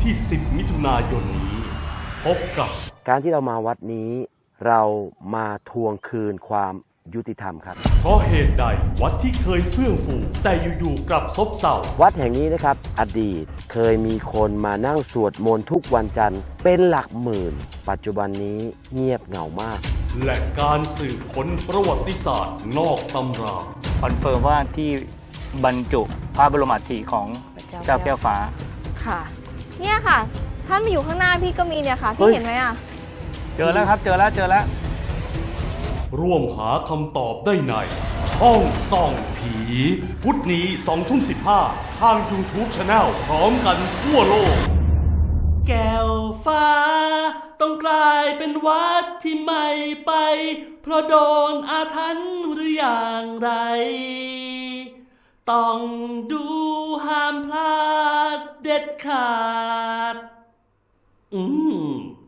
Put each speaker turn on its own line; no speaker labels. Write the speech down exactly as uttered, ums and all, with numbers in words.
ที่สิบมิถุนายนนี้พบกับ
การที่เรามาวัดนี้เรามาทวงคืนความยุติธรรมครับ
เพราะเหตุใดวัดที่เคยเฟื่องฟูแต่อยู่ๆกลับซบเซา
วัดแห่งนี้นะครับอดีตเคยมีคนมานั่งสวดมนต์ทุกวันจันทร์เป็นหลักหมื่นปัจจุบันนี้เงียบเหงามาก
และการสืบค้นประวัติศาสตร์นอกตำรา
คอนเฟิร์มว่าที่บรรจุพระบรมอัฐิของเจ้าแก้วฟ้า
ค่ะเนี่ยค่ะท่านมาอยู่ข้างหน้าพี่ก็มีเนี่ยค่ะพี่เห็นไหมอ่ะ
เจอแล้วครับเจอแล้วเจอแล้ว
ร่วมหาคำตอบได้ในห้องส่องผีพุธนี้สองทุ่มสิบห้าทาง YouTube Channel พร้อมกันทั่วโลกแก้วฟ้าต้องกลายเป็นวัดที่ไม่ไปเพราะโดนอาถรรพ์หรืออย่างไรต้องดูห้ามพลาดเด็ดขาดอืม